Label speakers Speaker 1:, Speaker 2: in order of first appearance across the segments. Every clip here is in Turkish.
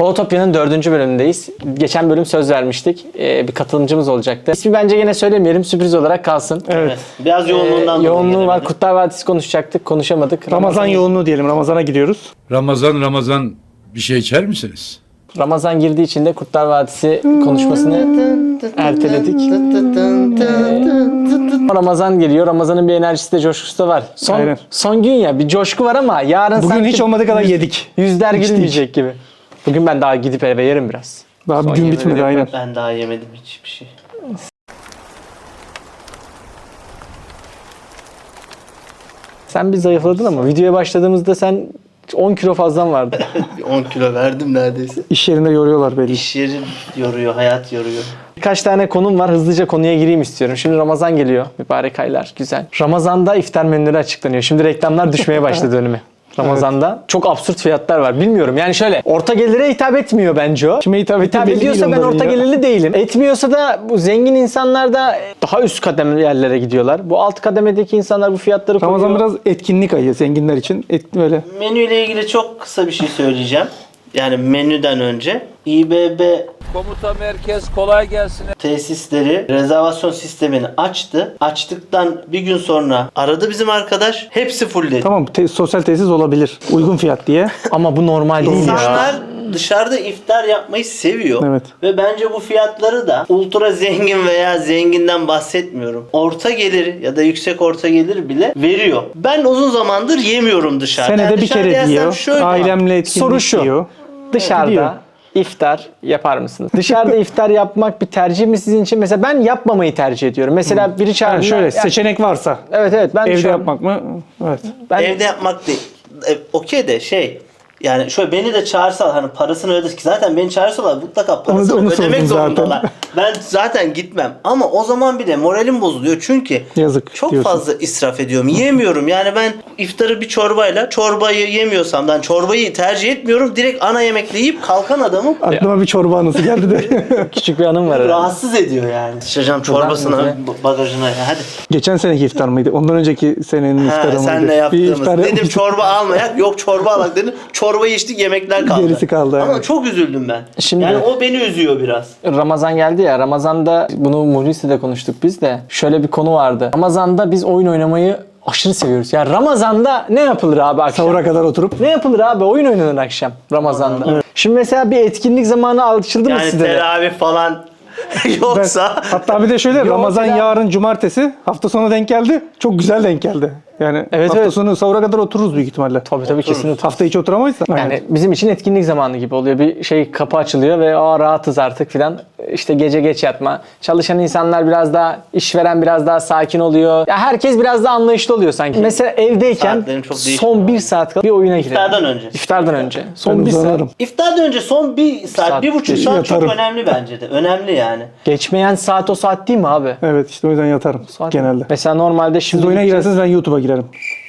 Speaker 1: Zootopya'nın 4. bölümündeyiz. Geçen bölüm söz vermiştik. Bir katılımcımız olacaktı. İsmi bence gene söylemeyelim. Sürpriz olarak kalsın.
Speaker 2: Evet.
Speaker 3: Biraz yoğunluğundan dolayı
Speaker 1: yoğunluğu var.
Speaker 3: gelemedik.
Speaker 1: Kurtlar Vadisi konuşacaktık. Konuşamadık.
Speaker 2: Ramazan yoğunluğu diyelim. Ramazana gidiyoruz.
Speaker 4: Ramazan bir şey içer misiniz?
Speaker 1: Ramazan girdiği için de Kurtlar Vadisi konuşmasını erteledik. Ramazan geliyor. Ramazan'ın bir enerjisi de coşkusu da var.
Speaker 2: Aynen.
Speaker 1: Son gün ya bir coşku var ama yarın
Speaker 2: Bugün
Speaker 1: sanki
Speaker 2: hiç olmadığı kadar yedik.
Speaker 1: yüzler
Speaker 2: İçtik.
Speaker 1: gülmeyecek gibi. Bugün ben daha gidip eve yerim biraz.
Speaker 2: Daha
Speaker 1: Son
Speaker 2: bir gün
Speaker 1: yemeği
Speaker 2: bitmedi
Speaker 1: de-
Speaker 2: aynen.
Speaker 3: Ben daha yemedim hiçbir şey.
Speaker 1: Sen bir zayıfladın ama videoya başladığımızda sen 10 kilo fazlan vardı.
Speaker 3: 10 kilo verdim neredeyse.
Speaker 2: İş yerinde yoruyorlar belli.
Speaker 3: İş yeri yoruyor, hayat yoruyor.
Speaker 1: Birkaç tane konum var. Hızlıca konuya gireyim istiyorum. Şimdi Ramazan geliyor. Mübarek aylar. Güzel. Ramazan'da iftar menüleri açıklanıyor. Şimdi reklamlar düşmeye başladı önüme. Ramazan'da çok absürt fiyatlar var. Bilmiyorum. Yani şöyle orta gelire hitap etmiyor bence o.
Speaker 2: Kime hitap ettiği belli değil
Speaker 1: ediyorsa ben
Speaker 2: onların
Speaker 1: orta
Speaker 2: ya.
Speaker 1: gelirli değilim. Etmiyorsa da bu zengin insanlar da daha üst kademeli yerlere gidiyorlar. Bu alt kademedeki insanlar bu fiyatları koyuyor.
Speaker 2: Ramazan biraz etkinlik ayı zenginler için. Böyle.
Speaker 3: Menüyle ilgili çok kısa bir şey söyleyeceğim. Yani menüden önce İBB
Speaker 5: Komuta merkez kolay gelsin.
Speaker 3: tesisleri rezervasyon sistemini açtı. Açtıktan bir gün sonra aradı bizim arkadaş. Hepsi fullledi.
Speaker 2: Tamam sosyal tesis olabilir. Uygun fiyat diye.
Speaker 1: Ama bu normal değil ya.
Speaker 3: İnsanlar dışarıda iftar yapmayı seviyor.
Speaker 2: Evet.
Speaker 3: Ve bence bu fiyatları da ultra zengin veya zenginden bahsetmiyorum. Orta gelir ya da yüksek orta gelir bile veriyor. Ben uzun zamandır yemiyorum dışarıda.
Speaker 2: Senede
Speaker 3: Yani
Speaker 2: bir
Speaker 3: dışarıda
Speaker 2: kere
Speaker 3: yersem
Speaker 2: diyor.
Speaker 3: şöyle-
Speaker 2: Ailemle etkinlik
Speaker 1: Soru şu.
Speaker 2: diyor.
Speaker 1: Dışarıda
Speaker 2: Gidiyor.
Speaker 1: iftar yapar mısınız? Dışarıda iftar yapmak bir tercih mi sizin için? Mesela ben yapmamayı tercih ediyorum. Mesela biri
Speaker 2: Ha,
Speaker 1: çağırdı.
Speaker 2: şöyle seçenek varsa.
Speaker 1: Evet ben
Speaker 2: Evde
Speaker 1: şu an-
Speaker 2: yapmak mı? Evet.
Speaker 1: ben
Speaker 3: Evde yapmak değil. Okey de yani şöyle beni de çağırsalar hani parasını ödedik. Zaten beni çağırsalar mutlaka parasını
Speaker 2: Onu
Speaker 3: ödemek
Speaker 2: sordum zaten.
Speaker 3: zorundalar. Ben zaten gitmem. Ama o zaman bile moralim bozuluyor. Çünkü
Speaker 2: Yazık
Speaker 3: çok
Speaker 2: diyorsun.
Speaker 3: fazla israf ediyorum. Yemiyorum. Yani ben iftarı bir çorbayla çorbayı yemiyorsam ben çorbayı tercih etmiyorum. Direkt ana yemekle yiyip kalkan adamım.
Speaker 2: Aklıma bir çorba anısı geldi de.
Speaker 1: küçük bir anım var. herhalde.
Speaker 3: Rahatsız ediyor yani. Sıçacağım çorbasına,
Speaker 1: bize-
Speaker 3: bagajına. Hadi.
Speaker 2: Geçen seneki iftar mıydı? Ondan önceki senenin iftarı mıydı?
Speaker 3: Senle
Speaker 2: Bir
Speaker 3: yaptığımız.
Speaker 2: iftar
Speaker 3: Dedim
Speaker 2: yapmıştık.
Speaker 3: çorba almayak. Yok çorba alak dedim. Çorbayı içtik yemekler kaldı.
Speaker 2: Gerisi kaldı,
Speaker 3: Ama
Speaker 2: evet.
Speaker 3: çok üzüldüm ben.
Speaker 1: Şimdi-
Speaker 3: Yani o beni üzüyor biraz.
Speaker 1: Ramazan geldi ya. Ramazan'da bunu Muhlis'le de konuştuk biz de. Şöyle bir konu vardı. Ramazan'da biz oyun oynamayı aşırı seviyoruz. Yani Ramazan'da ne yapılır abi akşam?
Speaker 2: Sahura kadar oturup.
Speaker 1: Ne yapılır abi? Oyun oynanır akşam Ramazan'da. Şimdi mesela bir etkinlik zamanı açıldı mı
Speaker 3: Yani
Speaker 1: sizde de?
Speaker 3: teravih falan yoksa
Speaker 2: Hatta bir de şöyle
Speaker 1: Yok,
Speaker 2: Ramazan
Speaker 1: ya.
Speaker 2: yarın cumartesi hafta sonu denk geldi. Çok güzel denk geldi. Yani
Speaker 1: Evet,
Speaker 2: hafta
Speaker 1: evet.
Speaker 2: sonu sahura kadar otururuz büyük ihtimalle.
Speaker 1: Tabii kesinlikle.
Speaker 2: Hafta içi oturamayız da.
Speaker 1: Yani bizim için etkinlik zamanı gibi oluyor. Bir şey kapı açılıyor ve rahatız artık filan. İşte gece geç yatma. Çalışan insanlar biraz daha, işveren biraz daha sakin oluyor. Ya herkes biraz daha anlayışlı oluyor sanki. Mesela evdeyken
Speaker 3: Saatlerim çok değişmiyor.
Speaker 1: son bir saat kala bir oyuna girelim.
Speaker 3: İftardan önce.
Speaker 1: İftardan önce.
Speaker 2: Ben
Speaker 1: Son bir saat.
Speaker 2: uzanırım.
Speaker 3: İftardan önce son bir saat,
Speaker 1: saat
Speaker 3: 1,5 saat çok
Speaker 2: yatarım.
Speaker 3: önemli bence de. Önemli yani.
Speaker 1: Geçmeyen saat o saat değil mi abi?
Speaker 2: Evet işte o yüzden yatarım
Speaker 1: Saat-
Speaker 2: genelde.
Speaker 1: Mesela normalde şimdi...
Speaker 2: Siz oyuna girerseniz ben YouTube'a girerim.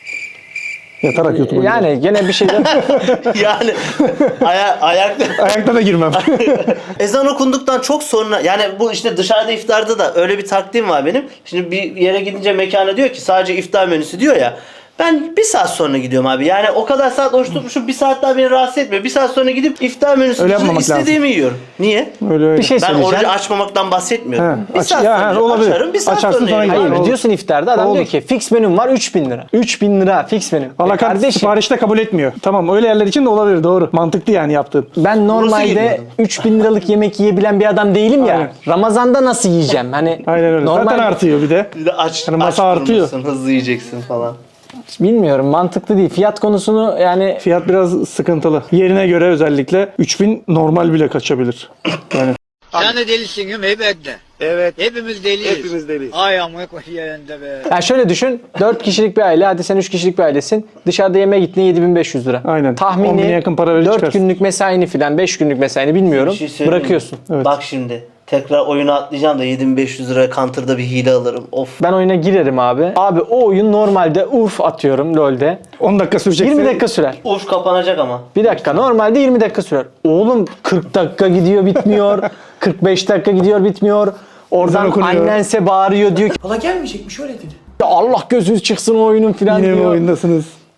Speaker 2: Yatarak YouTube'a girerim.
Speaker 1: Yani gene bir şeyden...
Speaker 3: Yani ayakta
Speaker 2: Ayakta da girmem.
Speaker 3: ezan okunduktan çok sonra yani bu işte dışarıda iftarda da öyle bir takdim var benim. Şimdi bir yere gidince mekana diyor ki sadece iftar menüsü diyor ya. Ben bir saat sonra gidiyorum abi. Yani o kadar saat oruç tutmuşum. Bir saat daha beni rahatsız etmiyor. Bir saat sonra gidip iftar menüsü
Speaker 2: Öyle yapmamak
Speaker 3: istediğimi yiyorum. Niye?
Speaker 2: Öyle.
Speaker 1: bir şey
Speaker 3: Ben
Speaker 1: söyleyeceğim.
Speaker 3: orucu açmamaktan bahsetmiyorum.
Speaker 2: He,
Speaker 3: Bir
Speaker 2: aç-
Speaker 3: saat
Speaker 2: ya,
Speaker 3: sonra
Speaker 2: he, olabilir.
Speaker 3: açarım. Bir saat
Speaker 2: Açarsın
Speaker 3: sonra
Speaker 2: sonra
Speaker 3: yerim.
Speaker 1: Hayır
Speaker 2: Olur.
Speaker 1: diyorsun iftarda adam
Speaker 2: Olur.
Speaker 1: diyor ki fix menüm var 3000 lira. 3000 lira fix menüm.
Speaker 2: Alakart
Speaker 1: Kardeşim
Speaker 2: siparişte kabul etmiyor. Tamam öyle yerler için de olabilir doğru. Mantıklı yani yaptığın.
Speaker 1: ben normalde
Speaker 3: geliyor.
Speaker 1: 3000 liralık yemek yiyebilen bir adam değilim ya.
Speaker 2: Aynen.
Speaker 1: Ramazan'da nasıl yiyeceğim? Hani
Speaker 2: Aynen öyle.
Speaker 1: normal
Speaker 2: Zaten artıyor bir de.
Speaker 3: Bir de aç,
Speaker 2: Yani masa
Speaker 3: aç
Speaker 2: artıyor.
Speaker 3: durmasın, hızlı yiyeceksin falan.
Speaker 1: bilmiyorum mantıklı değil. Fiyat konusunu yani
Speaker 2: Fiyat biraz sıkıntılı. Yerine göre özellikle 3000 normal bile kaçabilir. Yani
Speaker 5: Sen de delisin değil mi? Elbette.
Speaker 6: Evet.
Speaker 5: Hepimiz deliyiz.
Speaker 6: Hepimiz deliyiz.
Speaker 5: Ay amık yerinde be.
Speaker 1: yani şöyle düşün 4 kişilik bir aile hadi sen 3 kişilik bir ailesin. Dışarıda yemeğe gittiğinde 7500 lira.
Speaker 2: Aynen. 10.000'e
Speaker 1: Tahmini
Speaker 2: yakın para verir
Speaker 1: 4
Speaker 2: çıkarsın.
Speaker 1: günlük mesaini filan 5 günlük mesaini bilmiyorum.
Speaker 3: Bir şey söyleyeyim mi?
Speaker 1: Bırakıyorsun.
Speaker 2: Evet.
Speaker 3: Bak şimdi tekrar oyuna atlayacağım da 7500 liraya Counter'da bir hile alırım. Of.
Speaker 1: Ben oyuna girerim abi. Abi o oyun normalde urf atıyorum LoL'de.
Speaker 2: 10 dakika sürecek.
Speaker 1: 20 dakika sürer.
Speaker 3: Uf kapanacak ama.
Speaker 1: Bir dakika normalde 20 dakika sürer. Oğlum 40 dakika gidiyor bitmiyor. 45 dakika gidiyor bitmiyor. Oradan
Speaker 2: Ezan okunuyor.
Speaker 1: annense bağırıyor diyor ki
Speaker 6: Hala gelmeyecekmiş öyle dedi.
Speaker 1: "Ya Allah gözünüz çıksın o oyunun filan
Speaker 2: Yine mi
Speaker 1: diyor.
Speaker 2: oyundasınız?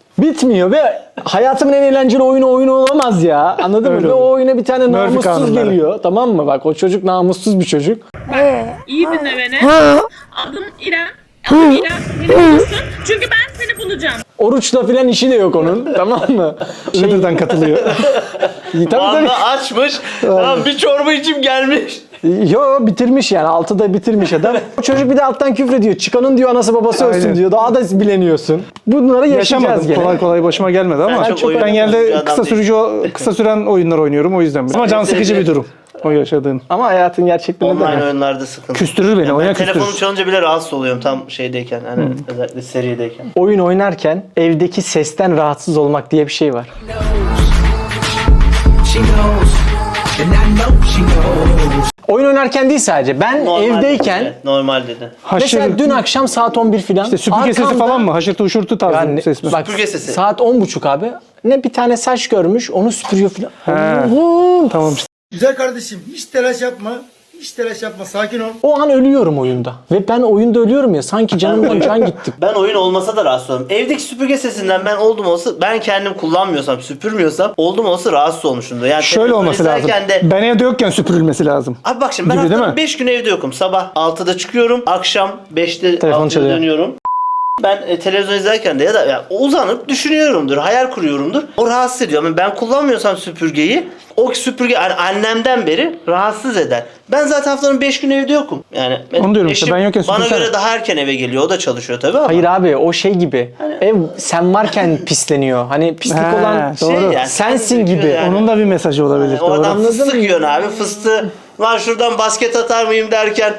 Speaker 1: Bitmiyor ve hayatımın en eğlenceli oyunu olamaz ya. Anladın mı?
Speaker 2: Öyle
Speaker 1: Ve
Speaker 2: olur.
Speaker 1: o oyuna bir tane
Speaker 2: Murphy
Speaker 1: namussuz
Speaker 2: kanunları.
Speaker 1: geliyor. Tamam mı? Bak o çocuk namussuz bir çocuk.
Speaker 6: İyi dinle beni. Adım İrem. Adım İrem. Beni bulursun. Çünkü ben seni bulacağım.
Speaker 1: Oruçla filan işi de yok onun. Tamam mı?
Speaker 2: Şimdiden katılıyor.
Speaker 1: Tabii tabii.
Speaker 3: Valla açmış. Tamam bir çorba içim gelmiş.
Speaker 1: Yo bitirmiş yani. 6'da bitirmiş adam. O çocuk bir de alttan küfrediyor. Çıkanın diyor anası babası ölsün
Speaker 2: Aynen.
Speaker 1: diyor. Daha da bileniyorsun. Bunları yaşayacağız
Speaker 2: Yaşamadım.
Speaker 1: gene.
Speaker 2: Kolay kolay başıma gelmedi ama
Speaker 3: çok oyun
Speaker 2: ben
Speaker 3: oynayan bir
Speaker 2: genelde
Speaker 3: adam
Speaker 2: kısa süren oyunlar oynuyorum o yüzden. Ama can sıkıcı bir durum o yaşadığın.
Speaker 1: Ama hayatın gerçekliğinde
Speaker 3: Online
Speaker 1: de.
Speaker 3: oyunlarda sıkıntı.
Speaker 2: Küstürür beni,
Speaker 3: Yani
Speaker 2: oyuna
Speaker 3: ben telefonum
Speaker 2: küstürür.
Speaker 3: çalınca bile rahatsız oluyorum tam şeydeyken. Hani özellikle serideyken.
Speaker 1: Oyun oynarken evdeki sesten rahatsız olmak diye bir şey var.
Speaker 7: She knows, and I know she knows.
Speaker 1: Oyun oynarken değil sadece. Ben
Speaker 3: Normal
Speaker 1: evdeyken
Speaker 3: dedi. Normal dedi.
Speaker 1: mesela dün akşam saat 11 filan.
Speaker 2: İşte süpürge sesi falan mı? Haşırtı uşurtu tarzı
Speaker 1: Yani,
Speaker 2: bir ses mi?
Speaker 1: bak,
Speaker 3: Süpürge sesi.
Speaker 1: saat 10.30 abi. Ne bir tane saç görmüş, onu süpürüyor filan.
Speaker 2: He.
Speaker 1: Allah'ım.
Speaker 2: Tamam.
Speaker 8: Güzel kardeşim hiç telaş yapma. Hiç telaş yapma. Sakin ol.
Speaker 1: O an ölüyorum oyunda. Ve ben oyunda ölüyorum ya. Sanki canımdan can gitti.
Speaker 3: Ben oyun olmasa da rahatsız olurum. Evdeki süpürge sesinden ben oldum olsa ben kendim kullanmıyorsam süpürmüyorsam oldum olsa rahatsız olmuşumdur. Yani
Speaker 2: Şöyle
Speaker 3: televizyon
Speaker 2: olması lazım.
Speaker 3: izlerken De,
Speaker 2: Ben evde yokken süpürülmesi lazım.
Speaker 3: abi bak şimdi ben
Speaker 2: Gibi değil
Speaker 3: haftanın
Speaker 2: mi?
Speaker 3: 5 gün evde yokum. Sabah 6'da çıkıyorum. Akşam 5'te
Speaker 1: Telefon
Speaker 3: 6'da
Speaker 1: çalıyor.
Speaker 3: dönüyorum. Ben televizyon izlerken de ya da ya, uzanıp düşünüyorumdur, hayal kuruyorumdur. O rahatsız ediyor. Ama ben kullanmıyorsam süpürgeyi, o süpürge yani annemden beri rahatsız eder. Ben zaten haftanın 5 gün evde yokum. Yani
Speaker 2: Onu diyorum işte,
Speaker 3: eşim
Speaker 2: ben yokken
Speaker 3: bana
Speaker 2: süpürsene.
Speaker 3: göre daha erken eve geliyor. O da çalışıyor tabii ama.
Speaker 1: Hayır abi o şey gibi. Ev sen varken pisleniyor. Hani pislik
Speaker 2: He,
Speaker 1: olan
Speaker 2: doğru.
Speaker 3: yani,
Speaker 1: sensin
Speaker 3: döküyor
Speaker 1: gibi.
Speaker 3: yani.
Speaker 2: Onun da bir mesajı olabilir.
Speaker 3: Yani o
Speaker 2: Doğru.
Speaker 3: adam fıstık yiyor abi. Fıstığı lan şuradan basket atar mıyım derken.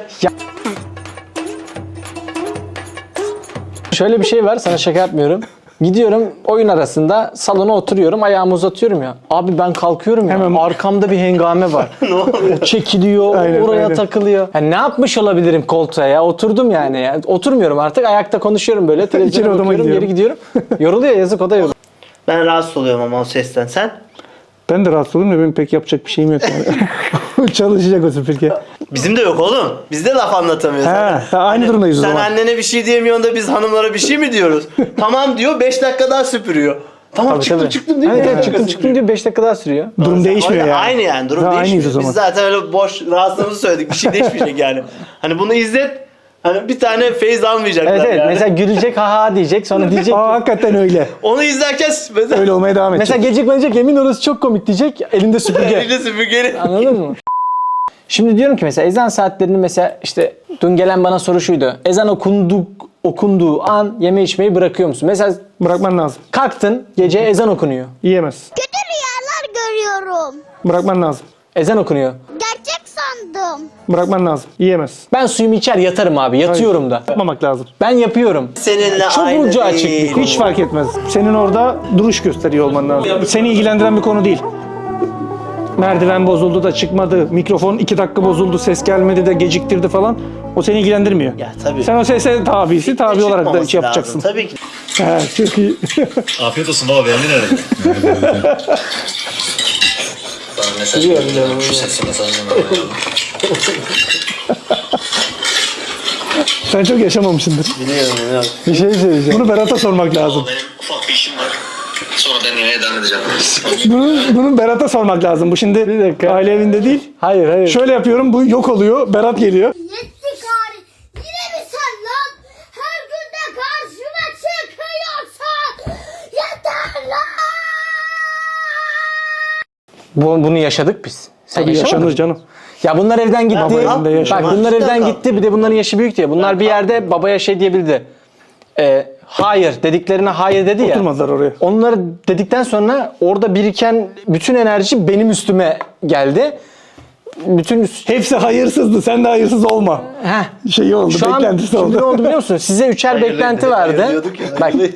Speaker 1: Şöyle bir şey var, sana şaka yapmıyorum. Gidiyorum oyun arasında salona oturuyorum, ayağımı uzatıyorum ya. Abi ben kalkıyorum ya.
Speaker 2: Hemen-
Speaker 1: Arkamda bir hengame var. O çekiliyor,
Speaker 2: Aynen,
Speaker 1: oraya
Speaker 2: aynen.
Speaker 1: takılıyor. Yani ne yapmış olabilirim koltuğa ya? Oturdum yani ya. Oturmuyorum artık, ayakta konuşuyorum böyle. Televizyona
Speaker 2: odama
Speaker 1: bakıyorum,
Speaker 2: gidiyorum.
Speaker 1: geri gidiyorum. Yoruluyor, yazık o da yoruluyor.
Speaker 3: Ben rahatsız oluyorum ama o sesten. Sen?
Speaker 2: Ben de rahatsız oldum da benim pek yapacak bir şeyim yok yani. Çalışacak o süpürge.
Speaker 3: Bizim de yok oğlum. Biz de laf anlatamıyoruz.
Speaker 2: He, aynı durumdayız o
Speaker 3: Sen
Speaker 2: zaman.
Speaker 3: annene bir şey diyemiyorsun da biz hanımlara bir şey mi diyoruz? Tamam diyor 5 dakika daha süpürüyor. Tamam
Speaker 1: Tabii,
Speaker 3: çıktım
Speaker 1: tabii.
Speaker 3: çıktım değil mi?
Speaker 1: Evet, evet,
Speaker 3: Beş
Speaker 1: çıktım
Speaker 3: dakika
Speaker 1: çıktım diyor, 5 dakika daha sürüyor.
Speaker 2: Durum değişmiyor
Speaker 3: Orada
Speaker 2: yani.
Speaker 3: Aynı yani durum
Speaker 2: Ha, aynıyız
Speaker 3: değişmiyor.
Speaker 2: o zaman.
Speaker 3: Biz zaten öyle boş rahatsızlığımızı söyledik. Bir şey değişmeyecek yani. Hani bunu izlet. Hani bir tane feyz almayacaklar
Speaker 1: Evet evet,
Speaker 3: yani.
Speaker 1: mesela gülecek ha ha diyecek, sonra diyecek
Speaker 2: Aa, hakikaten öyle.
Speaker 3: Onu izlerken mesela
Speaker 2: Öyle olmaya devam edecek.
Speaker 1: mesela gecikmeyecek, yemin orası çok komik diyecek, elinde süpürge.
Speaker 3: elinde süpürgeli.
Speaker 1: Anladın mı? Şimdi diyorum ki mesela ezan saatlerini, mesela işte dün gelen bana soru şuydu. Ezan okunduğu an yeme içmeyi bırakıyor musun? Mesela
Speaker 2: Bırakman lazım.
Speaker 1: kalktın, gece ezan okunuyor.
Speaker 2: Yiyemez.
Speaker 9: Kötü rüyalar görüyorum.
Speaker 2: Bırakman lazım.
Speaker 1: Ezan okunuyor.
Speaker 9: Gerçek sandım.
Speaker 2: Bırakman lazım. Yiyemez.
Speaker 1: Ben suyumu içer yatarım abi. Yatıyorum da.
Speaker 2: Yapmamak lazım.
Speaker 1: Ben yapıyorum.
Speaker 3: Seninle
Speaker 1: Çok
Speaker 3: aynı
Speaker 1: ucu açık bir
Speaker 3: değil.
Speaker 1: konu.
Speaker 2: Hiç fark etmez. Senin orada duruş gösteriyor olman lazım. Seni ilgilendiren bir konu değil. Merdiven bozuldu da çıkmadı. Mikrofon 2 dakika bozuldu, ses gelmedi de geciktirdi falan. O seni ilgilendirmiyor.
Speaker 3: Ya tabii.
Speaker 2: Sen o sese tabi olarak da
Speaker 3: Çıkmaması
Speaker 2: şey yapacaksın.
Speaker 3: lazım. Tabii ki.
Speaker 2: He, çok iyi.
Speaker 10: Afiyet olsun baba, beğendin herhalde. Bana mesaj gönderiyorum. Şu sesi mesajını alayım.
Speaker 2: Sen çok yaşamamışsındır.
Speaker 3: Biliyorum.
Speaker 1: Bir şey söyleyeceğim.
Speaker 2: Bunu Berat'a sormak lazım.
Speaker 10: Benim ufak bir işim var. Sonra denemeye devam edeceğim.
Speaker 2: Bunu Berat'a sormak lazım. Bu şimdi
Speaker 1: Bir dakika.
Speaker 2: aile evinde değil.
Speaker 1: Hayır hayır.
Speaker 2: Şöyle yapıyorum, bu yok oluyor. Berat geliyor.
Speaker 9: Yetti gari. Yine mi sen lan? Her gün de karşıma çıkıyorsan. Yeter lan.
Speaker 1: Bunu yaşadık biz. Sen
Speaker 2: Tabii
Speaker 1: yaşamadın
Speaker 2: yaşanır
Speaker 1: mı?
Speaker 2: canım.
Speaker 1: Ya bunlar evden gitti.
Speaker 2: Baba evinde yaşanır.
Speaker 1: Bak bunlar
Speaker 3: Cidden
Speaker 1: evden
Speaker 3: kal.
Speaker 1: gitti. Bir de bunların yaşı büyük diye. Bunlar bir yerde babaya şey diyebildi. Hayır dediklerine hayır dedi ya.
Speaker 2: Oturmadılar oraya.
Speaker 1: Onları dedikten sonra orada biriken bütün enerji benim üstüme geldi. Bütün
Speaker 2: Hepsi hayırsızdı. Sen de hayırsız olma.
Speaker 1: Heh.
Speaker 2: Şeyi oldu,
Speaker 1: Şu an
Speaker 2: beklentisi
Speaker 1: şimdi
Speaker 2: oldu.
Speaker 1: ne oldu biliyor musun? Size üçer
Speaker 3: Hayırlı
Speaker 1: beklenti
Speaker 3: dedi,
Speaker 1: vardı.
Speaker 3: hayır diyorduk ya,
Speaker 1: Bak
Speaker 3: hayırlı.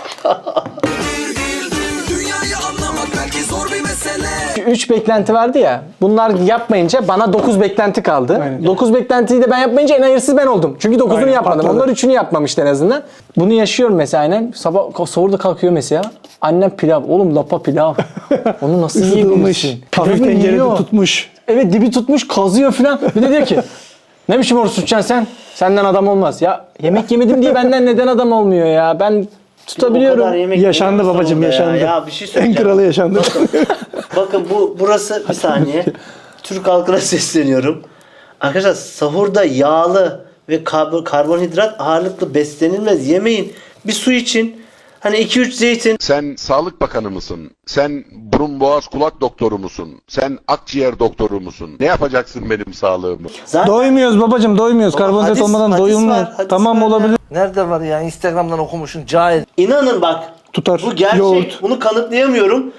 Speaker 7: Dünyayı anlamak belki zor bir mesele.
Speaker 1: 3 beklenti vardı ya. Bunlar yapmayınca bana 9 beklenti kaldı.
Speaker 2: Aynen.
Speaker 1: 9 beklentiyi de ben yapmayınca en hayırsız ben oldum. Çünkü 9'unu
Speaker 2: Aynen,
Speaker 1: yapmadım.
Speaker 2: patladı.
Speaker 1: Onlar 3'ünü yapmamıştı en azından. Bunu yaşıyorum mesela aynen. Sabah sahurda kalkıyor mesela. Annem pilav. Oğlum lapa pilav. Onu nasıl
Speaker 2: Isıtılmış.
Speaker 1: yiyebilirsin?
Speaker 2: Hafif
Speaker 1: Pilavı
Speaker 2: tencerede
Speaker 1: yiyor.
Speaker 2: tutmuş.
Speaker 1: Evet dibi tutmuş kazıyor filan. Bir de diyor ki ne biçim oruç tutacaksın sen? Senden adam olmaz. Ya yemek yemedim diye benden neden adam olmuyor ya? Ben Tutabiliyorum.
Speaker 3: O kadar yemek
Speaker 2: Yaşandı
Speaker 3: yiyorsun
Speaker 2: babacım,
Speaker 3: orada
Speaker 2: yaşandı.
Speaker 3: Ya bir şey
Speaker 2: En
Speaker 3: söyleyeceğim.
Speaker 2: kralı yaşandı.
Speaker 3: Bakın burası bir saniye. Türk halkına sesleniyorum. Arkadaşlar sahurda yağlı ve karbonhidrat ağırlıklı beslenilmez. Yemeyin. Bir su için. Hani 2-3 zeytin.
Speaker 11: Sen Sağlık Bakanı mısın? Sen burun boğaz kulak doktoru musun? Sen akciğer doktoru musun? Ne yapacaksın benim sağlığımı?
Speaker 3: Zaten
Speaker 2: Doymuyoruz babacım, doymuyoruz.
Speaker 3: Baba,
Speaker 2: Karbonhidrat
Speaker 3: hadis-
Speaker 2: olmadan
Speaker 3: hadis
Speaker 2: doyulmuyor.
Speaker 3: var, hadis
Speaker 2: Tamam
Speaker 3: var ya.
Speaker 2: olabilir.
Speaker 5: Nerede var ya? Instagram'dan okumuşsun cahil.
Speaker 3: inanın bak.
Speaker 2: Tutar.
Speaker 3: Bu gerçek.
Speaker 2: Yoğurt.
Speaker 3: Bunu kanıtlayamıyorum.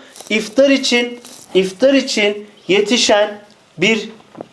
Speaker 3: İftar için yetişen bir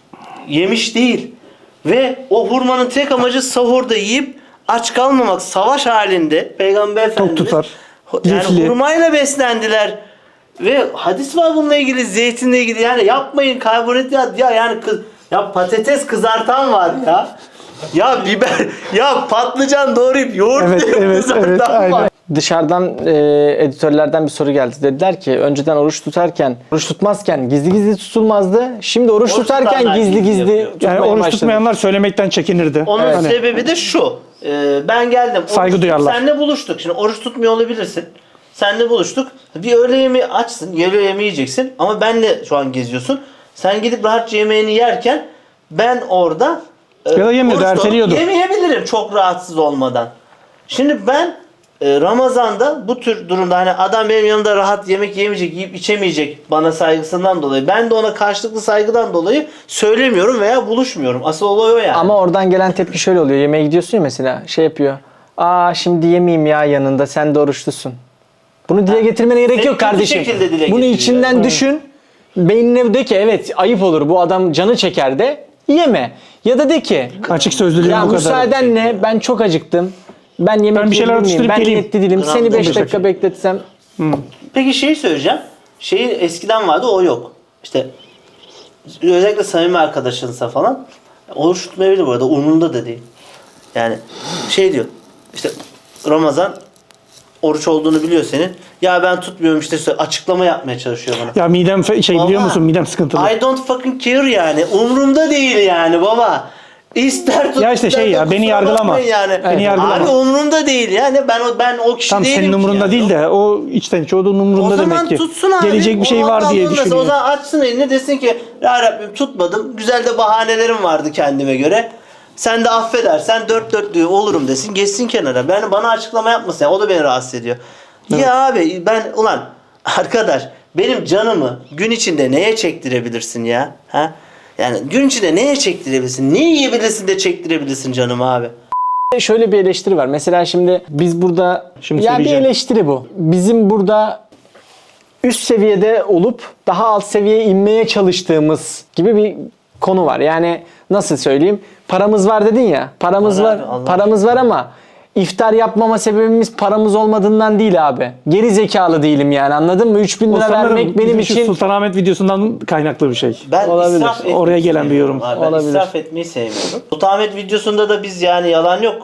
Speaker 3: yemiş değil. Ve o hurmanın tek amacı sahurda yiyip aç kalmamak. Savaş halinde Peygamber Efendimiz
Speaker 2: tutar.
Speaker 3: yani
Speaker 2: Lifli.
Speaker 3: hurmayla beslendiler. Ve hadis var bununla ilgili, zeytinle ilgili. Yani yapmayın karbonhidrat ya yani ya patates kızartan var ya. Ya biber, ya patlıcan doğrayıp yoğurt
Speaker 2: Evet, evet,
Speaker 3: kızartan
Speaker 2: evet,
Speaker 3: var.
Speaker 2: aynen.
Speaker 1: Dışarıdan editörlerden bir soru geldi. Dediler ki önceden oruç tutmazken gizli gizli tutulmazdı. Şimdi oruç tutarken
Speaker 3: tutanlar
Speaker 1: gizli
Speaker 3: gizli
Speaker 1: gizli
Speaker 3: yapıyor.
Speaker 1: tutmaya
Speaker 2: Yani oruç
Speaker 1: başladı.
Speaker 2: tutmayanlar söylemekten çekinirdi.
Speaker 3: Onun
Speaker 2: Hani
Speaker 3: sebebi de şu. Ben geldim.
Speaker 2: Saygı duyarlar.
Speaker 3: Seninle buluştuk. Şimdi oruç tutmuyor olabilirsin. Seninle buluştuk. Bir öğle yemeği açsın. Öğle yemeği yiyeceksin. Ama benle şu an geziyorsun. Sen gidip rahatça yemeğini yerken ben orada
Speaker 2: Ya da yemiyordu,
Speaker 3: oruçta olup
Speaker 2: erteliyordu.
Speaker 3: yemeyebilirim çok rahatsız olmadan. Şimdi ben Ramazan'da bu tür durumda hani adam benim yanımda rahat yemek yemeyecek, yiyip içemeyecek bana saygısından dolayı. Ben de ona karşılıklı saygıdan dolayı söylemiyorum veya buluşmuyorum. Asıl olay o yani.
Speaker 1: Ama oradan gelen tepki şöyle oluyor. Yemeğe gidiyorsun ya mesela şey yapıyor. Aa şimdi yemeyeyim ya yanında sen de oruçlusun. Bunu dile getirmene gerek
Speaker 3: Hep
Speaker 1: yok
Speaker 3: kötü
Speaker 1: kardeşim.
Speaker 3: şekilde dile
Speaker 1: Bunu
Speaker 3: getiriyor.
Speaker 1: içinden düşün. Beynine de ki evet ayıp olur bu adam canı çeker de yeme. Ya da de ki
Speaker 2: açık sözlülüğün
Speaker 1: ya
Speaker 2: bu kadar.
Speaker 1: müsaadenle ben çok acıktım. Ben yemek
Speaker 2: Ben bir şeyler
Speaker 1: yiyebilir miyim?
Speaker 2: atıştırıp
Speaker 1: Ben
Speaker 2: geleyim.
Speaker 1: niyetli değilim.
Speaker 3: Gram
Speaker 1: Seni 5
Speaker 3: 15
Speaker 1: dakika
Speaker 2: dakika.
Speaker 1: bekletsem.
Speaker 3: Peki şeyi söyleyeceğim. Şeyin eskiden vardı o yok. İşte özellikle samimi arkadaşınsa falan oruç tutmayabilir bu arada umurunda da değil. Yani şey diyor işte Ramazan oruç olduğunu biliyor senin. Ya ben tutmuyorum işte açıklama yapmaya çalışıyor bana.
Speaker 2: Ya midem biliyor
Speaker 3: Baba,
Speaker 2: musun? Midem sıkıntılı.
Speaker 3: I don't fucking care yani. Umurumda değil yani baba. İster tut.
Speaker 2: Ya işte
Speaker 3: ister
Speaker 2: şey ya,
Speaker 3: tut,
Speaker 2: beni
Speaker 3: kusura
Speaker 2: yargılama.
Speaker 3: bakmayın Yani.
Speaker 2: Beni yargılama.
Speaker 3: Abi umurumda değil yani. Ben o kişi
Speaker 2: Tam
Speaker 3: değilim
Speaker 2: senin
Speaker 3: ki
Speaker 2: umurunda
Speaker 3: yani.
Speaker 2: değil de o içten içe o da
Speaker 3: O
Speaker 2: umurunda
Speaker 3: zaman
Speaker 2: demek ki.
Speaker 3: tutsun abi.
Speaker 2: Gelecek bir şey
Speaker 3: O
Speaker 2: var
Speaker 3: Allah
Speaker 2: diye
Speaker 3: bulmasın.
Speaker 2: düşünüyor.
Speaker 3: O zaman açsın elini desin ki ya Rabbim tutmadım. Güzel de bahanelerim vardı kendime göre. Sen de affedersen dört dörtlüğü olurum desin. Geçsin kenara. Bana açıklama yapmasın. Yani o da beni rahatsız ediyor. Ya abi ulan arkadaş benim canımı gün içinde neye çektirebilirsin ya? Ha? Yani gün içinde neye çektirebilirsin? Ne yiyebilirsin de çektirebilirsin canımı abi?
Speaker 1: Şöyle bir eleştiri var. Mesela şimdi biz burada
Speaker 2: Şimdi
Speaker 1: ya bir
Speaker 2: söyleyeceğim.
Speaker 1: eleştiri bu. Bizim burada üst seviyede olup daha alt seviyeye inmeye çalıştığımız gibi bir konu var. Yani nasıl söyleyeyim? Paramız var dedin ya. Paramız
Speaker 3: Var
Speaker 1: var.
Speaker 3: abi, Allah
Speaker 1: Paramız var ama iftar yapmama sebebimiz paramız olmadığından değil abi. Geri zekalı değilim yani. Anladın mı? 3000
Speaker 2: O
Speaker 1: lira
Speaker 2: sanırım
Speaker 1: vermek benim
Speaker 2: bizim şu
Speaker 1: için
Speaker 2: Sultanahmet videosundan kaynaklı bir şey.
Speaker 3: Ben
Speaker 1: Olabilir.
Speaker 3: israf etmeyi
Speaker 2: Oraya gelen bir yorum.
Speaker 3: sevmiyorum abi. Ben
Speaker 1: Olabilir.
Speaker 3: israf etmeyi sevmiyorum. Sultanahmet videosunda da biz yani yalan yok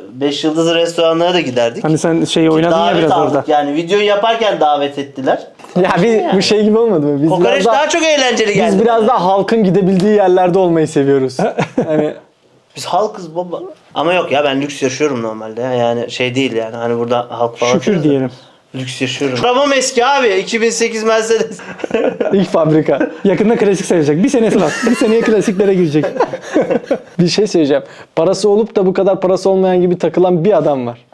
Speaker 3: 5 yıldızlı restoranlara da giderdik.
Speaker 2: Hani sen oynadın ya
Speaker 3: Davet
Speaker 2: biraz
Speaker 3: aldık.
Speaker 2: orada.
Speaker 3: Yani videoyu yaparken davet ettiler.
Speaker 1: ya bu şey gibi olmadı mı? Biz
Speaker 3: Kokoreç
Speaker 1: biraz daha,
Speaker 3: daha çok eğlenceli geldi.
Speaker 1: biz biraz daha halkın gidebildiği yerlerde olmayı seviyoruz. Hani
Speaker 3: Biz halkız baba. Ama yok ya ben lüks yaşıyorum normalde. Yani şey değil yani hani burada halk falan.
Speaker 2: Şükür
Speaker 3: diyoruz da.
Speaker 2: diyelim.
Speaker 3: Lüks yaşıyorum. Arabam eski abi. 2008 Mercedes.
Speaker 1: ilk fabrika.
Speaker 2: Yakında klasik sayılacak. Bir senesi var. Bir seneye klasiklere girecek.
Speaker 1: Bir şey söyleyeceğim. Parası olup da bu kadar parası olmayan gibi takılan bir adam var.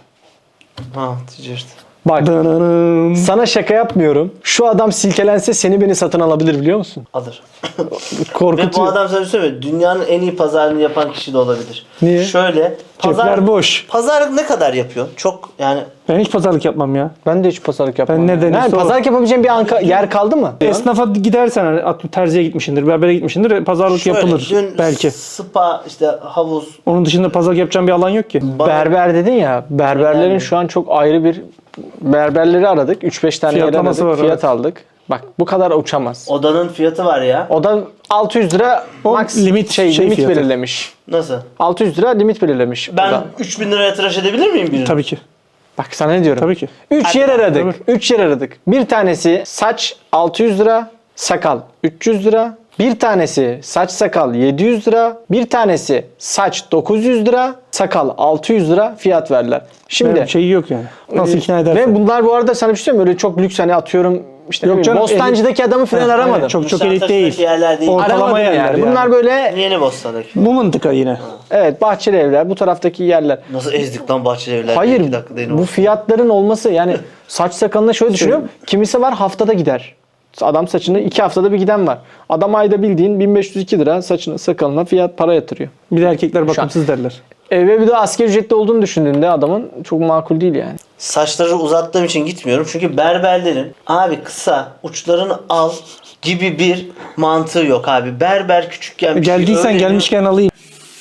Speaker 3: Ha ticaret.
Speaker 1: Bak
Speaker 2: Dananım.
Speaker 1: sana şaka yapmıyorum. Şu adam silkelense seni beni satın alabilir biliyor musun?
Speaker 3: Alır. Ve bu
Speaker 1: Korkutuyor.
Speaker 3: adam sana bir şey söyleyeyim mi? Dünyanın en iyi pazarını yapan kişi de olabilir.
Speaker 1: Niye?
Speaker 3: Şöyle.
Speaker 2: Cepler boş.
Speaker 3: Pazarlık ne kadar yapıyor? Çok yani
Speaker 2: Ben hiç pazarlık yapmam ya.
Speaker 1: Ben de hiç pazarlık yapmam.
Speaker 2: Ben ne denirse
Speaker 1: Yani
Speaker 2: o.
Speaker 1: pazarlık yapabileceğim bir yer kaldı mı?
Speaker 2: Esnafa gidersen hani terziye gitmişsindir, berbere gitmişsindir, pazarlık
Speaker 3: şöyle,
Speaker 2: yapılır
Speaker 3: dün
Speaker 2: belki.
Speaker 3: spa işte havuz.
Speaker 2: Onun dışında pazarlık yapacağım bir alan yok ki.
Speaker 1: Berber dedin ya. Berberlerin
Speaker 3: Yani.
Speaker 1: şu an çok ayrı bir berberleri aradık. 3-5 tane yer
Speaker 2: Fiyatlaması
Speaker 1: aradık.
Speaker 2: var,
Speaker 1: Fiyat
Speaker 2: evet.
Speaker 1: aldık. Bak bu kadar uçamaz.
Speaker 3: Odanın fiyatı var ya.
Speaker 1: O da 600 lira
Speaker 2: O
Speaker 1: max
Speaker 2: limit
Speaker 1: limit
Speaker 2: fiyatı.
Speaker 1: belirlemiş.
Speaker 3: Nasıl?
Speaker 1: 600 lira limit belirlemiş.
Speaker 3: Ben
Speaker 1: o da.
Speaker 3: 3000 liraya tıraş edebilir miyim birini?
Speaker 2: Tabii ki.
Speaker 1: Bak sana ne diyorum?
Speaker 2: Tabii ki.
Speaker 1: 3 yer aradık.
Speaker 2: Tabii.
Speaker 1: 3 yer aradık. Bir tanesi saç 600 lira, sakal 300 lira, Bir tanesi saç sakal 700 lira. Bir tanesi saç 900 lira. Sakal 600 lira fiyat verdiler. Şimdi
Speaker 2: Şimdi şeyi yok yani. Nasıl ikna edersin?
Speaker 1: ve bunlar bu arada sana bir şey söyleyeyim mi? Öyle çok lüks hani atıyorum işte
Speaker 2: Yok
Speaker 1: ne bileyim,
Speaker 2: canım,
Speaker 1: Bostancı'daki adamı falan
Speaker 2: Aynen,
Speaker 1: aramadım.
Speaker 2: çok elit değil.
Speaker 3: Nişantaşı'ndaki yerler değil.
Speaker 2: Ortalama
Speaker 1: Aramadım
Speaker 2: yerler
Speaker 1: yani.
Speaker 2: yani.
Speaker 1: Bunlar böyle
Speaker 3: Yeni Bostan'daki.
Speaker 2: Bu mıntıka yine.
Speaker 1: evet bahçeli evler bu taraftaki yerler.
Speaker 3: Nasıl ezdik lan Bahçeli Evler?
Speaker 1: Hayır
Speaker 3: 2 dakika değil
Speaker 1: bu fiyatların olması yani saç sakalına şöyle düşünüyorum. Kimisi var haftada gider. Adam saçını 2 haftada bir giden var. Adam ayda bildiğin 1502 lira saçına sakalına fiyat para yatırıyor.
Speaker 2: Bir de erkekler bakımsız derler.
Speaker 1: Ve bir de asgari ücretli olduğunu düşündüğünde adamın çok makul değil yani.
Speaker 3: Saçları uzattığım için gitmiyorum. Çünkü berberlerin abi kısa uçlarını al gibi bir mantığı yok abi. Berber küçükken bir şey
Speaker 2: Geldiysen
Speaker 3: öğreniyor.
Speaker 2: gelmişken alayım.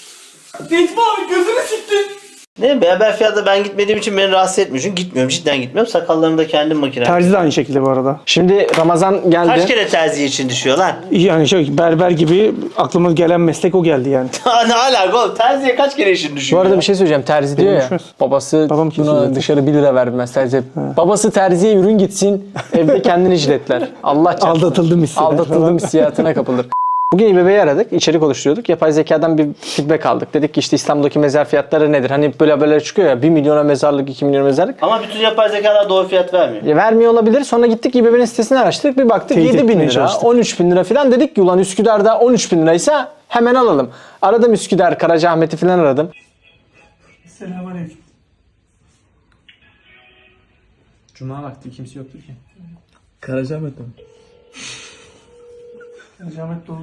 Speaker 3: Ne berber fiyatı ben gitmediğim için beni rahatsız etmiyor. Çünkü gitmiyorum. Cidden gitmiyorum. Sakallarımı da kendim makine.
Speaker 2: Terzi de aynı şekilde bu arada.
Speaker 1: Şimdi Ramazan geldi.
Speaker 3: Kaç kere terzi için düşüyor lan?
Speaker 2: Yani berber gibi aklıma gelen meslek o geldi yani.
Speaker 3: Ne alaka oğlum? Terziye kaç kere işin
Speaker 1: Bu
Speaker 3: düşüyor?
Speaker 1: arada
Speaker 3: ya?
Speaker 1: bir şey söyleyeceğim. Terzi diyor ya.
Speaker 2: düşmez.
Speaker 1: Babası
Speaker 2: Babam kesiyor
Speaker 1: buna
Speaker 2: zaten.
Speaker 1: dışarı 1 lira vermez terzi. Babası terziye ürün gitsin. Evde kendini jiletler. Allah çarpsın.
Speaker 2: Aldatıldım hisseder.
Speaker 1: Aldatıldım hissiyatına kapılır. Bugün İBB'yi aradık, içerik oluşturuyorduk. Yapay zekadan bir feedback aldık. Dedik ki işte İstanbul'daki mezar fiyatları nedir? Hani böyle çıkıyor ya 1 milyona mezarlık, 2 milyona mezarlık.
Speaker 3: Ama bütün yapay zekalar doğru fiyat vermiyor.
Speaker 1: Ya vermiyor olabilir. Sonra gittik İBB'nin sitesini araştırdık. Bir baktık
Speaker 2: Teyit
Speaker 1: 7 bin
Speaker 2: etmeye
Speaker 1: lira,
Speaker 2: çalıştık.
Speaker 1: 13 bin lira falan. Dedik ki ulan Üsküdar'da 13 bin liraysa hemen alalım. Aradım Üsküdar, Karacaahmet'i falan aradım.
Speaker 2: Selamünaleyküm.
Speaker 1: Cuma vakti kimse yoktur ki.
Speaker 5: Karacaahmet'te mi?
Speaker 2: Karacaahmet doğru.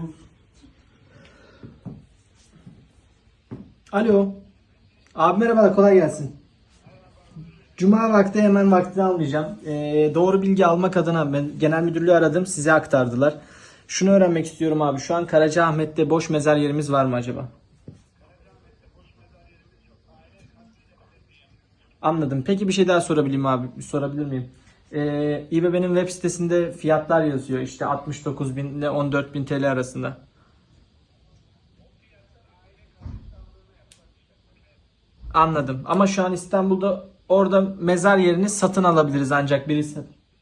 Speaker 1: Alo. Abi merhaba, kolay gelsin. Cuma vakti hemen vaktini almayacağım. Doğru bilgi almak adına ben genel müdürlüğü aradım. Size aktardılar. Şunu öğrenmek istiyorum abi. Şu an Karacaahmet'te boş mezar yerimiz var mı acaba? Anladım. Peki bir şey daha sorabileyim abi. Sorabilir miyim? İBB'nin web sitesinde fiyatlar yazıyor. İşte 69.000 ile 14.000 TL arasında. Anladım. Ama şu an İstanbul'da orada mezar yerini satın alabiliriz ancak birisi.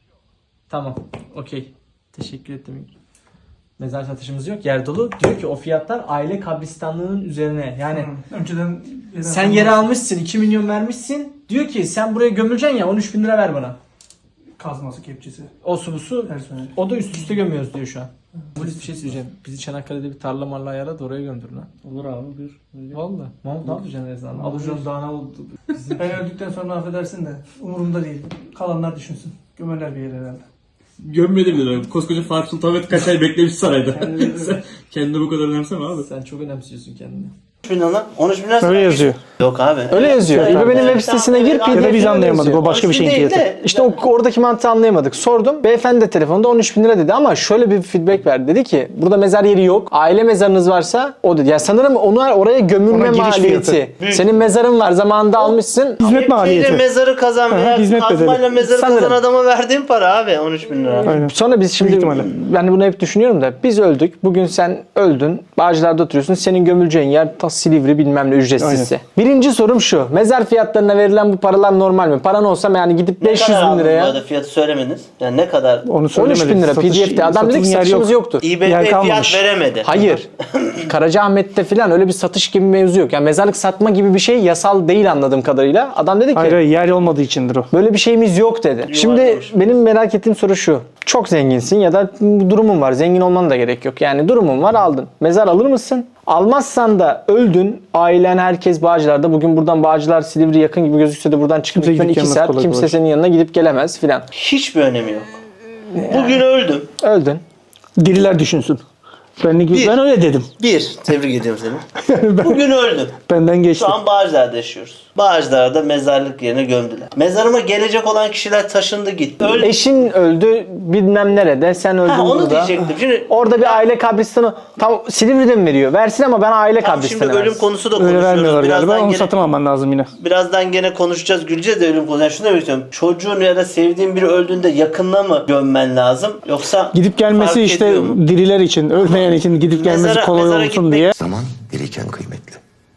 Speaker 1: Tamam. Okey. Teşekkür ettim. Mezar satışımız yok. Yer dolu. Diyor ki o fiyatlar aile kabristanlığının üzerine. Yani
Speaker 2: Önceden
Speaker 1: sen yeri almışsın 2 milyon vermişsin. Diyor ki sen buraya gömüleceksin ya 13 bin lira ver bana.
Speaker 2: kazması kepçesi.
Speaker 1: O su bu su.
Speaker 2: Personel.
Speaker 1: O da üst üste gömüyoruz diyor şu an. Polis bir şey söyleyeceğim. Bizi Çanakkale'de bir tarla marla ayarla da oraya gömdür lan.
Speaker 2: Olur abi bir.
Speaker 1: Valla. Mahmut ne yapacaksın Rezan? Alıcı'nın daha ne oldu?
Speaker 2: Ben öldükten sonra affedersin de umurumda değil. Kalanlar düşünsün. Gömerler bir yere herhalde.
Speaker 10: Gömmedi bile. Koskoca Fatih Sultan Mehmet kaç ay beklemiş sarayda. Sen kendini bu kadar önemseme abi.
Speaker 1: Sen çok önemsiyorsun kendini.
Speaker 3: 13 bin lira lan. 13 bin lira.
Speaker 2: Öyle yazıyor.
Speaker 3: Yok abi.
Speaker 1: Öyle yazıyor. İBB'nin web sitesine gir.
Speaker 3: Ya da
Speaker 2: Ya da biz
Speaker 1: PDF'ini
Speaker 2: anlayamadık.
Speaker 1: yazıyor.
Speaker 2: O başka bir şeyin
Speaker 3: Değil
Speaker 2: fiyatı.
Speaker 3: de-
Speaker 1: İşte oradaki mantığı anlayamadık. Sordum. Beyefendi de telefonda 13 bin lira dedi ama şöyle bir feedback verdi. Dedi ki burada mezar yeri yok. Aile mezarınız varsa o dedi. Ya sanırım oraya gömülme
Speaker 2: Ona giriş
Speaker 1: maliyeti.
Speaker 3: Büyük.
Speaker 1: Senin mezarın var zamanında almışsın.
Speaker 2: Hizmet maliyeti.
Speaker 3: Mezarı kazan veya
Speaker 2: hizmet bedeli.
Speaker 3: kazmayla mezarı
Speaker 1: Sanırım.
Speaker 3: kazan adama verdiğim para abi 13 bin lira.
Speaker 2: Aynen.
Speaker 1: Sonra biz şimdi
Speaker 2: Büyük ihtimalle.
Speaker 1: ben bunu hep düşünüyorum da biz öldük. Bugün sen öldün. Bağcılar'da oturuyorsun. Senin gömüleceğin yer ta Silivri bilmem ne ücretsizse. Birinci sorum şu. Mezar fiyatlarına verilen bu paralar normal mi? Paran olsa yani gidip
Speaker 3: Ne
Speaker 1: 500
Speaker 3: kadar
Speaker 1: bin
Speaker 3: aldınız bu
Speaker 1: liraya
Speaker 3: arada fiyatı söylemediniz. Yani ne kadar?
Speaker 2: Onu
Speaker 1: 13
Speaker 2: söylemedik.
Speaker 1: bin lira
Speaker 2: Satış-
Speaker 1: PDF'de. Adam dedi ki
Speaker 2: satılım yer
Speaker 1: satışımız
Speaker 2: yok.
Speaker 1: yoktur.
Speaker 3: İBB
Speaker 2: Yer
Speaker 3: fiyat
Speaker 2: kalmamış.
Speaker 3: veremedi.
Speaker 1: Hayır. Karacaahmet'te falan öyle bir satış gibi bir mevzu yok. Yani mezarlık satma gibi bir şey yasal değil anladığım kadarıyla. Adam dedi ki
Speaker 2: Hayır yer olmadığı içindir o.
Speaker 1: böyle bir şeyimiz yok dedi. Şimdi benim merak ettiğim soru şu. Çok zenginsin ya da durumun var. Zengin olman da gerek yok. Yani durumun var aldın. Mezar alır mısın? Almazsan da öldün. Ailen herkes Bağcılar'da. Bugün buradan Bağcılar Silivri yakın gibi gözükse de buradan çıkıp
Speaker 2: Kimse
Speaker 1: gitmen
Speaker 2: gidip
Speaker 1: 2
Speaker 2: gelmez
Speaker 1: saat.
Speaker 2: kolay
Speaker 1: Kimse
Speaker 2: kolay.
Speaker 1: senin yanına gidip gelemez filan.
Speaker 3: Hiçbir önemi yok. Bugün öldüm.
Speaker 1: Öldün.
Speaker 2: Diriler düşünsün. Ben öyle dedim.
Speaker 3: Tebrik ediyorum seni. Bugün öldüm.
Speaker 2: Benden geçti.
Speaker 3: Şu an Bağcılar'da yaşıyoruz. Bağcılar'da mezarlık yerine gömdüler. Mezarıma gelecek olan kişiler taşındı gitti. Öldü.
Speaker 1: Eşin öldü bilmem nerede. Sen öldün
Speaker 3: Ha, onu
Speaker 1: burada.
Speaker 3: diyecektim. Şimdi
Speaker 1: Orada bir aile kabristanı tam Silivri'de mi veriyor? Versin ama ben aile
Speaker 3: tam şimdi
Speaker 1: kabristanı
Speaker 3: ölüm
Speaker 1: versin.
Speaker 3: konusu da
Speaker 2: Öyle
Speaker 3: konuşuyoruz.
Speaker 2: vermiyorlar galiba. Onu
Speaker 3: gene,
Speaker 2: satın alman lazım yine.
Speaker 3: birazdan gene konuşacağız, güleceğiz de ölüm konusu. Yani şunu demek istiyorum. Çocuğun ya da sevdiğin biri öldüğünde yakınına mı gömmen lazım? Yoksa
Speaker 2: Gidip gelmesi
Speaker 3: fark
Speaker 2: işte
Speaker 3: ediyor mu?
Speaker 2: diriler için, ölmeyen için gidip gelmesi
Speaker 3: Mezara-
Speaker 2: kolay
Speaker 3: mezara
Speaker 2: olsun
Speaker 3: gitmek-
Speaker 2: diye.
Speaker 8: Zaman diriyken kıymetli.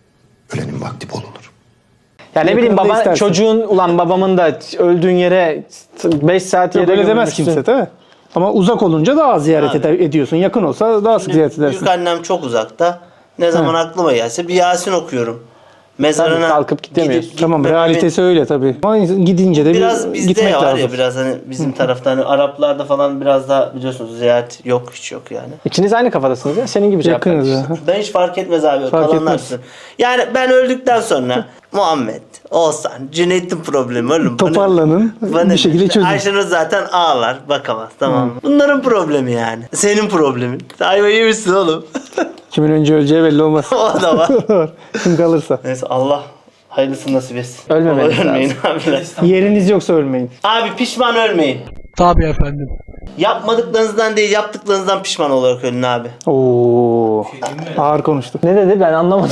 Speaker 8: Ölenin vakti bol olur.
Speaker 1: Ya ne bileyim
Speaker 2: Yakında
Speaker 1: baba
Speaker 2: istersen.
Speaker 1: çocuğun ulan babamın da öldüğün yere 5 saat yere
Speaker 2: Yok öyle demez
Speaker 1: gömülmüşsün.
Speaker 2: kimse değil mi? Ama uzak olunca daha az ziyaret ediyorsun. Yakın olsa daha sık ziyaret edersin.
Speaker 3: Büyük annem çok uzakta. Ne zaman aklıma gelse bir Yasin okuyorum. Mezarına
Speaker 1: Tabii, kalkıp gidemiyorsun.
Speaker 2: Tamam,
Speaker 3: gitmememin-
Speaker 2: realitesi öyle tabii. Ama gidince de
Speaker 3: Biraz bizde
Speaker 2: gitmek
Speaker 3: var
Speaker 2: lazım.
Speaker 3: ya, biraz hani bizim tarafta, hani Araplarda falan biraz daha biliyorsunuz ziyaret yok, hiç yok yani.
Speaker 1: İkiniz aynı kafadasınız ya. Senin gibi cevap
Speaker 2: Yakınız
Speaker 1: verdik.
Speaker 2: ya.
Speaker 3: Ben hiç fark etmez abi.
Speaker 2: Fark
Speaker 3: Kalanlar
Speaker 2: etmez.
Speaker 3: sizin. Yani ben öldükten sonra Muhammed, Oğuzhan, Cüneyt'in problemi oğlum.
Speaker 2: Toparlanın, bir şekilde çözün.
Speaker 3: Ayşenur zaten ağlar, bakamaz, tamam mı? Bunların problemi yani. Senin problemin. Ayva yemişsin oğlum.
Speaker 2: Kimin önce öleceği belli olmaz.
Speaker 3: O da var.
Speaker 2: Kim kalırsa.
Speaker 3: Neyse, Allah hayırlısını nasip etsin.
Speaker 1: Ölmemeniz
Speaker 3: Ölmeyin abiler.
Speaker 2: Yeriniz yoksa ölmeyin.
Speaker 3: Abi pişman ölmeyin.
Speaker 5: Tabii efendim.
Speaker 3: Yapmadıklarınızdan değil, yaptıklarınızdan pişman olarak ölün abi.
Speaker 2: Oo. Ağır konuştuk.
Speaker 1: Ne dedi ben anlamadım.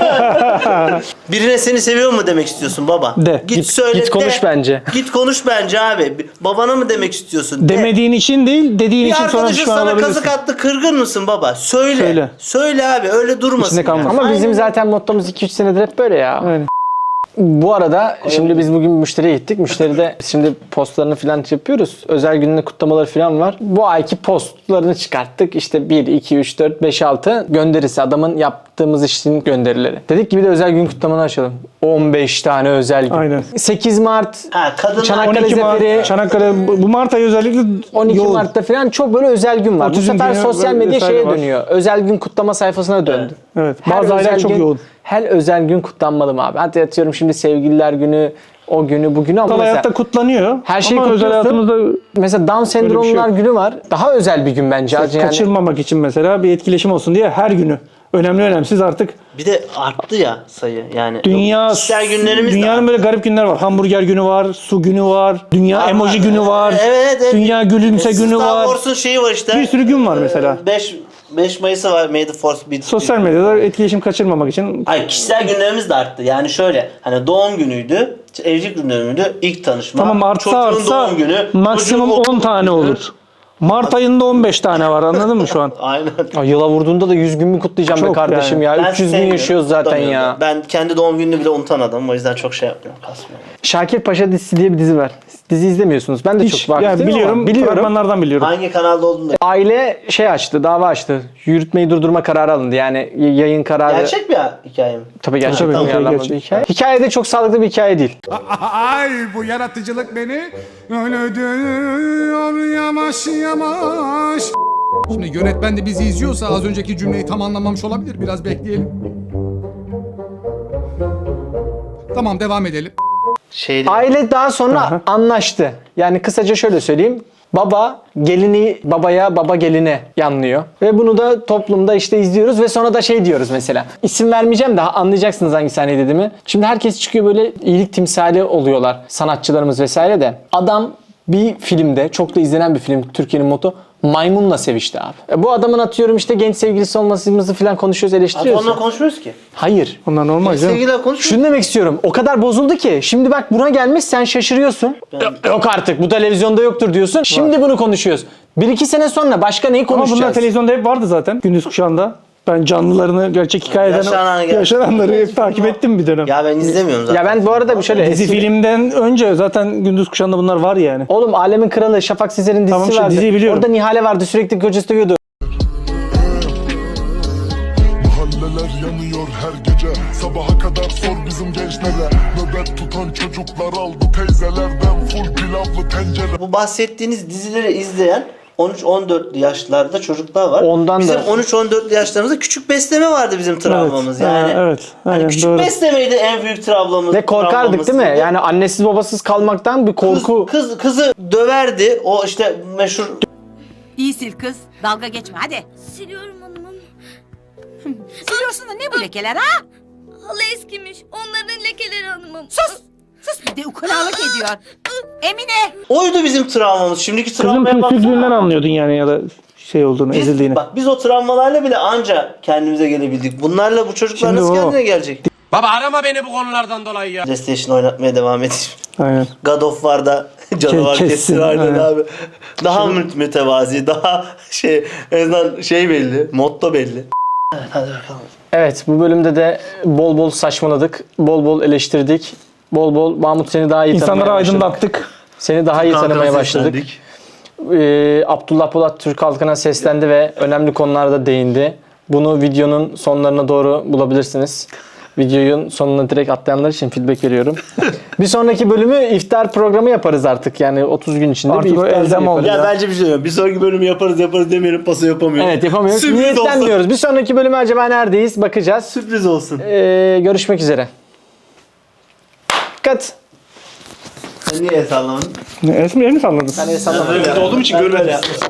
Speaker 3: Birine seni seviyor mu demek istiyorsun baba?
Speaker 2: De.
Speaker 3: Git söyle
Speaker 1: Git konuş
Speaker 3: de.
Speaker 1: bence.
Speaker 3: Git konuş bence abi. Babana mı demek istiyorsun? De.
Speaker 2: Demediğin için değil, dediğin
Speaker 3: Bir
Speaker 2: için sonra
Speaker 3: arkadaşın
Speaker 2: pişman
Speaker 3: sana
Speaker 2: olabilirsin.
Speaker 3: kazık attı, kırgın mısın baba? Söyle.
Speaker 2: Söyle.
Speaker 3: Söyle abi, öyle durmasın.
Speaker 2: İçinde kalmasın.
Speaker 1: Ama bizim
Speaker 3: Aynen.
Speaker 1: zaten mottomuz 2-3 senedir hep böyle ya.
Speaker 2: Aynen.
Speaker 1: Bu arada şimdi biz bugün müşteriye gittik. Müşteride şimdi postlarını falan yapıyoruz. Özel gününün kutlamaları falan var. Bu ayki postlarını çıkarttık. İşte 1, 2, 3, 4, 5, 6 gönderisi. Adamın yaptığımız işin gönderileri. Dedik ki bir de özel gün kutlamanı açalım. 15 tane özel gün.
Speaker 2: Aynen.
Speaker 1: 8 Mart,
Speaker 3: Ha, kadınlar
Speaker 1: Çanakkale
Speaker 2: 12
Speaker 1: Zeferi,
Speaker 2: Mart, Çanakkale, bu Mart ayı özellikle
Speaker 1: 12
Speaker 2: yoğun.
Speaker 1: Mart'ta falan çok böyle özel gün var. Bu
Speaker 2: Otizm
Speaker 1: sefer
Speaker 2: günü
Speaker 1: sosyal medya
Speaker 2: vesaire
Speaker 1: şeye
Speaker 2: var.
Speaker 1: dönüyor. Özel gün kutlama sayfasına döndü.
Speaker 2: Evet.
Speaker 1: Her
Speaker 2: Bazı aylar
Speaker 1: özel
Speaker 2: çok
Speaker 1: gün-
Speaker 2: yoğun.
Speaker 1: Her özel gün kutlanmalı mı abi? Hadi atıyorum şimdi sevgililer günü, o günü, bugünü ama
Speaker 2: Kutsal
Speaker 1: mesela,
Speaker 2: hayatta kutlanıyor.
Speaker 1: her şeyi
Speaker 2: ama özel
Speaker 1: kutluyorsun.
Speaker 2: hayatımızda
Speaker 1: mesela Down
Speaker 2: bir şey
Speaker 1: sendromlar
Speaker 2: yok.
Speaker 1: günü var. Daha özel bir gün bence. Yani
Speaker 2: kaçırmamak için mesela bir etkileşim olsun diye her günü. Önemli önemsiz artık.
Speaker 3: Bir de arttı ya sayı. Yani
Speaker 2: Dünya,
Speaker 3: kişisel günlerimiz de
Speaker 2: dünyanın
Speaker 3: arttı.
Speaker 2: böyle garip günler var. Hamburger günü var, su günü var, dünya
Speaker 3: Ama-
Speaker 2: emoji günü var,
Speaker 3: Evet.
Speaker 2: dünya gülümse günü
Speaker 3: Star
Speaker 2: var.
Speaker 3: Wars'un şeyi var işte.
Speaker 2: Bir sürü gün var mesela.
Speaker 3: 5 Mayıs'ı var. May the Force be.
Speaker 2: Sosyal medyada etkileşim kaçırmamak için
Speaker 3: Hayır, kişisel günlerimiz de arttı. Yani şöyle, hani doğum günüydü, evlilik günleriydi, ilk tanışma.
Speaker 2: tamam artsa
Speaker 3: çocuğun doğum günü,
Speaker 2: maksimum
Speaker 3: çocuğun
Speaker 2: 10 tane
Speaker 3: okul günü.
Speaker 2: olur. Mart ayında 15 tane var, anladın mı şu an?
Speaker 3: Aynen.
Speaker 1: Ay, yıla vurduğunda da 100 gün mü kutlayacağım be
Speaker 2: Çok
Speaker 1: kardeşim
Speaker 2: yani.
Speaker 1: ya?
Speaker 3: Ben
Speaker 1: 300 gün
Speaker 3: sevmiyorum,
Speaker 1: yaşıyoruz zaten
Speaker 3: kutlamıyorum
Speaker 1: ya.
Speaker 3: da. Ben kendi doğum gününü bile unutan adamım, o yüzden çok şey yapmıyorum, kasmıyorum.
Speaker 1: Şakir Paşa dizisi diye bir dizi var. Dizi izlemiyorsunuz. Ben de
Speaker 2: Hiç,
Speaker 1: çok vakıf
Speaker 2: yani
Speaker 1: değilim ama
Speaker 2: biliyorum, fragmanlardan biliyorum.
Speaker 3: Hangi kanalda olduğunu da.
Speaker 1: Aile şey açtı, dava açtı. Yürütmeyi durdurma kararı alındı. Yani yayın kararı.
Speaker 3: Gerçek bir hikaye mi?
Speaker 1: Tabii gerçek.
Speaker 2: Tabii,
Speaker 1: Tabii,
Speaker 2: tabii,
Speaker 1: gerçek.
Speaker 2: gerçek.
Speaker 1: Hikaye. Hikaye de çok sağlıklı bir hikaye değil.
Speaker 8: Ay bu yaratıcılık beni öldürüyor yavaş yavaş. Şimdi yönetmen de bizi izliyorsa az önceki cümleyi tam anlamamış olabilir. Biraz bekleyelim. Tamam, devam edelim.
Speaker 3: Şeydi.
Speaker 1: Aile daha sonra anlaştı. Yani kısaca şöyle söyleyeyim. Baba gelini babaya, baba geline yanlıyor. Ve bunu da toplumda işte izliyoruz ve sonra da şey diyoruz mesela. İsim vermeyeceğim de anlayacaksınız hangi sahne dediğimi. Şimdi herkes çıkıyor, böyle iyilik timsali oluyorlar. Sanatçılarımız vesaire de. Adam bir filmde, çok da izlenen bir film, Türkiye'nin moto, maymunla sevişti abi. Bu adamın atıyorum işte genç sevgilisi olmasımızı falan konuşuyoruz,
Speaker 3: Abi
Speaker 1: eleştiriyoruz.
Speaker 3: onunla konuşmuyoruz ki.
Speaker 1: Hayır.
Speaker 2: Onlar normal canım.
Speaker 3: Sevgiler konuşmuyoruz.
Speaker 1: Şunu demek istiyorum. O kadar bozuldu ki. Şimdi bak buna gelmiş, sen şaşırıyorsun. Yok artık, bu televizyonda yoktur diyorsun. Şimdi bunu konuşuyoruz. 1-2 sene sonra başka neyi
Speaker 2: Ama
Speaker 1: konuşacağız?
Speaker 2: bunlar televizyonda hep vardı zaten gündüz kuşağında. Ben canlılarını, gerçek hikayeden yaşananları hep takip ettim bir dönem.
Speaker 3: Ya ben izlemiyorum zaten.
Speaker 1: Ya ben bu arada bir şöyle
Speaker 2: Dizi
Speaker 1: eski...
Speaker 2: filmden önce zaten gündüz kuşağında bunlar var yani.
Speaker 1: Oğlum Alemin Kralı, Şafak Sezer'in dizisi
Speaker 2: Tamam, işte
Speaker 1: vardı.
Speaker 2: diziyi biliyorum.
Speaker 1: Orada Nihale vardı, sürekli kocası dövüyordu.
Speaker 11: Mahalleler yanıyor her gece. Sabaha kadar sor bizim gençlere. Nöbet tutan çocuklar aldı teyzelerden full pilavlı tencere.
Speaker 3: Bu bahsettiğiniz dizileri izleyen 13-14 yaşlarda çocuklar var.
Speaker 1: Ondan
Speaker 3: bizim
Speaker 1: da-
Speaker 3: 13-14 yaşlarımızda küçük besleme vardı bizim travmamız yani.
Speaker 2: Evet.
Speaker 3: Hani
Speaker 2: Aynen,
Speaker 3: küçük
Speaker 2: doğru.
Speaker 3: beslemeydi en büyük travmamız.
Speaker 1: Ve korkardık
Speaker 3: travmamız
Speaker 1: değil mi?
Speaker 3: dedi.
Speaker 1: Yani annesiz babasız kalmaktan bir korku.
Speaker 3: Kızı döverdi. O işte meşhur
Speaker 12: İyi sil kız. Dalga geçme hadi.
Speaker 9: Siliyorum hanımım.
Speaker 12: Siliyorsun da ne bu lekeler ha?
Speaker 9: Halı eskimiş. Onların lekeleri hanımım.
Speaker 12: Sus. Sus bir de ukalalık ediyor. Emine.
Speaker 3: oydu bizim travmamız. Şimdiki
Speaker 2: Kızın
Speaker 3: travmaya
Speaker 2: püskürtlüğünden
Speaker 3: baksana.
Speaker 2: anlıyordun yani ya da şey olduğunu, ezildiğini.
Speaker 3: Bak biz o travmalarla bile anca kendimize gelebildik. Bunlarla bu çocuklar
Speaker 2: Şimdi
Speaker 3: nasıl
Speaker 2: o.
Speaker 3: kendine gelecek?
Speaker 5: Baba arama beni bu konulardan dolayı ya.
Speaker 3: PlayStation oynatmaya devam edeyim.
Speaker 2: Aynen.
Speaker 3: God of War'da canavar
Speaker 2: Kessin,
Speaker 3: kessin aynen
Speaker 2: aynen.
Speaker 3: abi. Daha mütevazi, daha en azından şey belli, motto belli. Evet, hadi bakalım.
Speaker 1: Evet, bu bölümde de bol bol saçmaladık. Bol bol eleştirdik. Bol bol Mahmut seni daha iyi
Speaker 2: İnsanları
Speaker 1: tanımaya başladık.
Speaker 2: aydınlattık.
Speaker 1: Seni daha iyi tanımaya
Speaker 3: Kalkan
Speaker 1: başladık.
Speaker 3: seslendik.
Speaker 1: Abdullah Polat Türk halkına seslendi ve önemli konularda değindi. Bunu videonun sonlarına doğru bulabilirsiniz. Videonun sonuna direkt atlayanlar için feedback veriyorum. Bir sonraki bölümü iftar programı yaparız artık. Yani 30 gün içinde
Speaker 2: Artık
Speaker 1: bir
Speaker 2: o
Speaker 1: iftar
Speaker 2: elzem oldu.
Speaker 1: yaparız.
Speaker 3: Ya bence bir şey yok. Bir sonraki bölümü yaparız demeyelim, pası yapamıyorum.
Speaker 1: Evet, yapamıyoruz.
Speaker 3: Sürpriz olsun.
Speaker 1: Niyetlenmiyoruz. Bir sonraki bölümü acaba neredeyiz? Bakacağız.
Speaker 3: Sürpriz olsun.
Speaker 1: Görüşmek üzere. Dikkat.
Speaker 3: Sen niye el sallamadın?
Speaker 2: El mi salladın?
Speaker 1: Ben el sallamadım.
Speaker 3: Olduğum için görmedim.